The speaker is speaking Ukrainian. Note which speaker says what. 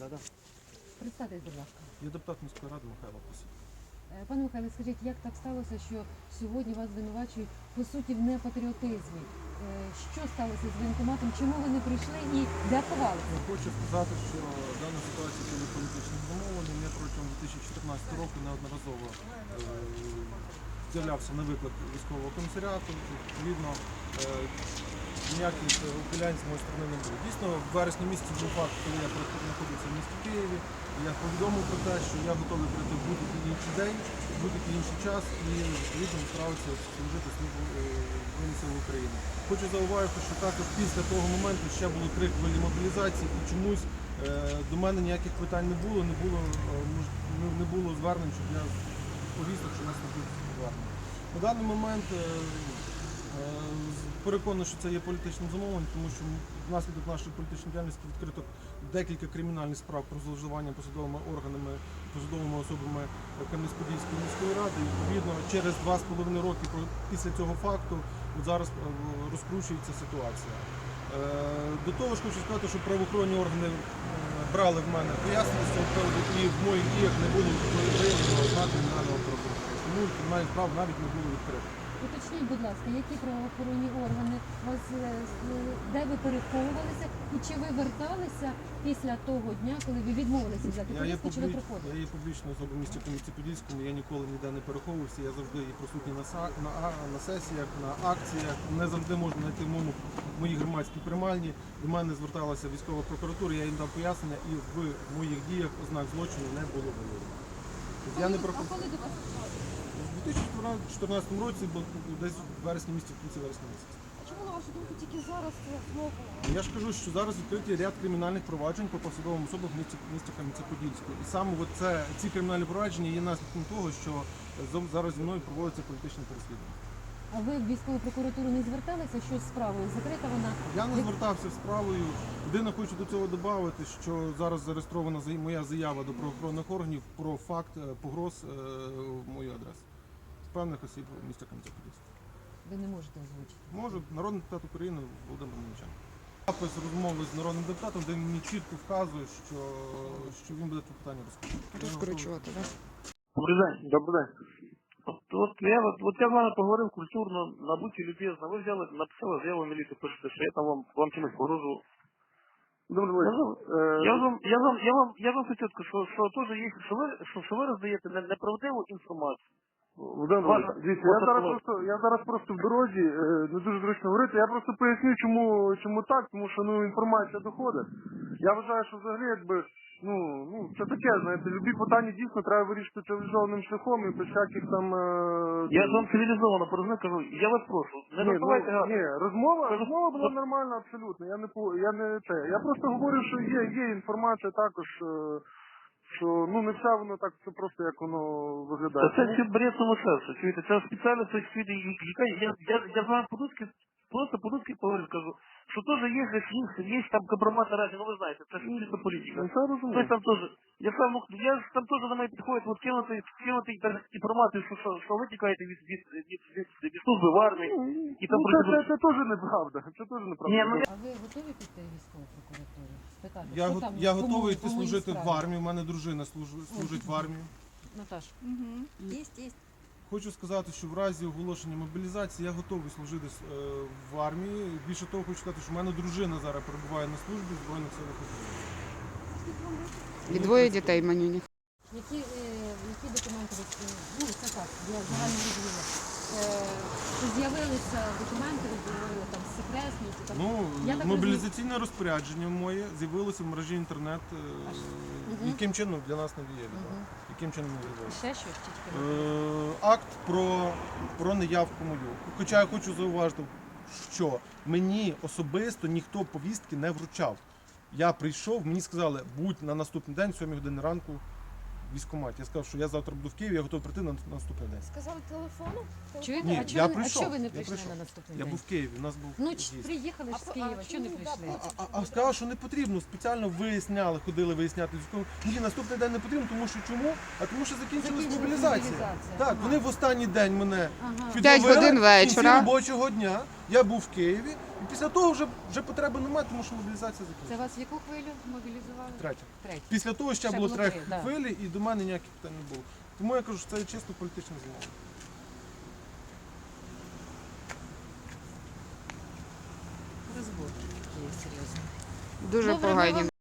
Speaker 1: Да-да.
Speaker 2: Представтесь, будь ласка.
Speaker 1: Я депутат міської ради Михайло Косів.
Speaker 2: Пане Михайле, скажіть, як так сталося, що сьогодні вас звинувачують, по суті, в непатріотизмі? Що сталося з воєнкоматом? Чому ви не прийшли і де ховалися?
Speaker 1: Хочу сказати, що дана ситуація була політично зумовлена. Я протягом 2014 року неодноразово з'являвся на виклик військового комісаріату. Відповідно, ніяких ухилянь з моєї сторони не було. Дійсно, в вересні місяці був факт, коли я знаходився в місті Києві. Я повідомив про те, що я готовий прийти в будь-який інший день, в будь-який інший час і відповідно справився служити службу Збройних сил України. Хочу зауважити, що також після того моменту ще були 3 хвилі мобілізації і чомусь до мене ніяких питань не було звернень, щоб я повісток, що нас не буде звернень. На даний момент переконаний, що це є політичним замовленням, тому що внаслідок нашої політичної діяльності відкрито декілька кримінальних справ про зловживання посадовими органами, посадовими особами Кам'янець-Подільської міської ради. І, відповідно, через 2,5 роки після цього факту зараз розкручується ситуація. До того ж хочу сказати, що правоохоронні органи брали в мене пояснення з цього приводу, і в моїх діях не було виявлено ознак кримінального правопорушення. Тому кримінальні справи навіть не було відкрито.
Speaker 2: Уточніть, будь ласка, які правоохоронні органи вас, де ви переховувалися і чи ви верталися після того дня, коли ви відмовилися взяти повістку, чи ви приходили?
Speaker 1: Я є публічною особою в місті Кам'янці-Подільському, я ніколи ніде не переховувався, я завжди є присутній на сесіях, на акціях, не завжди можна знайти в моїй громадській приймальні. До мене зверталася військова прокуратура, я їм дав пояснення і в моїх діях ознак злочину не було виявлено.
Speaker 2: А коли до вас зверталися?
Speaker 1: У 2014 році, десь в вересні місяці, в кінці вересня місяця.
Speaker 3: А чому, на вашу думку, тільки зараз це знову?
Speaker 1: Я ж кажу, що зараз відкриті ряд кримінальних проваджень по посадовим особам в місті Кам'янці-Подільському. І саме ці кримінальні провадження є наслідком того, що зараз зі мною проводиться політичне переслідування.
Speaker 2: А ви в військову прокуратуру не зверталися? Що з справою? Закрита вона?
Speaker 1: Я не звертався з справою. Єдине, хочу до цього додати, що зараз зареєстрована моя заява до правоохоронних органів про факт погроз в мою адресу. Певних осіб в місті Кам'янці-Подільському.
Speaker 2: Ви не можете озвучити.
Speaker 1: Можу, народний депутат України Володимир Мельниченко. Запис розмови з народним депутатом, де він мені чітко вказує, що він буде це питання
Speaker 4: Розкручувати, так?
Speaker 5: Добрий день. Добрий день. От я з вами поговорив культурно, набуті любезно. Ви взяли, написали заяву в міліцію, пишете, що я там вам чимось погрожував.
Speaker 6: Добрий день.
Speaker 5: Я вам хочу сказати, що теж є, що ви роздаєте неправдиву інформацію.
Speaker 6: Дивіться, я зараз просто в дорозі, не дуже зручно говорити. Я просто поясню, чому так, тому що інформація доходить. Я вважаю, що взагалі це таке, знаєте, любі питання дійсно треба вирішити цивілізованим шляхом і без всяких там...
Speaker 5: Я з вам цивілізовано порозумію, кажу, я вас прошу, не називайте гарно.
Speaker 6: Ні, розмова була нормальна абсолютно. Я просто говорю, що є інформація також, що не все воно так все просто, як воно виглядає.
Speaker 5: Це бред сумасшедший, чуєте, це спеціально це чуєте, я з вами по-людськи поговорю, скажу, що теж є там компромат на разі, ви знаєте, це ж чисто політика.
Speaker 6: Це розумію.
Speaker 5: Я там теж до мене підходить, кинути інформацію, що ви тікаєте від служби в армії.
Speaker 6: Це теж неправда.
Speaker 2: А ви готові піти в військову прокуратуру? Спитати,
Speaker 1: Я готовий йти служити в армію, у мене дружина служить в армії.
Speaker 2: Наташ.
Speaker 3: Є.
Speaker 1: Хочу сказати, що в разі оголошення мобілізації я готовий служити в армії. Більше того, хочу сказати, що в мене дружина зараз перебуває на службі в Збройних силах України.
Speaker 4: І 2 дітей манюніх.
Speaker 2: Які документи це так, для загального розвитку? З'явилися документи, ви говорили там секретні?
Speaker 1: Мобілізаційне розпорядження моє з'явилося в мережі інтернет. Яким чином для нас не відомо? Яким чином не відомо?
Speaker 2: Ще щось тільки?
Speaker 1: Акт про неявку мою. Хоча я хочу зауважити, що мені особисто ніхто повістки не вручав. Я прийшов, мені сказали, будь на наступний день, 7 години ранку, в військкоматі. Я сказав, що я завтра буду в Києві, я готовий прийти на наступний день.
Speaker 3: Сказали телефоном?
Speaker 2: Чуєте?
Speaker 1: Ні,
Speaker 2: а чого ви не прийшли на наступний
Speaker 1: Я
Speaker 2: день?
Speaker 1: був в Києві, у нас був з'їзд.
Speaker 2: Приїхали ж з Києва, чого не прийшли?
Speaker 1: А сказали, що не потрібно, спеціально ходили виясняти військовим. Ні, наступний день не потрібно, тому що чому? Тому що закінчилась мобілізація. Так, вони в останній день мене
Speaker 4: 5 годин
Speaker 1: в кінці
Speaker 4: вечора.
Speaker 1: робочого дня Я був в Києві, і після того вже потреби немає, тому що мобілізація
Speaker 4: Це
Speaker 1: закінчилася.
Speaker 4: вас в яку хвилю мобілізували?
Speaker 1: Третя.
Speaker 4: Третю.
Speaker 1: Після того ще
Speaker 4: Ще
Speaker 1: було
Speaker 4: було
Speaker 1: 3
Speaker 4: три, да.
Speaker 1: хвилі, і до мене ніяких питань не було. Тому я кажу, що це чисто політичне замовлення.
Speaker 2: Розбор є серйозно.
Speaker 4: Дуже
Speaker 2: Добре, ми
Speaker 4: погані.
Speaker 2: вам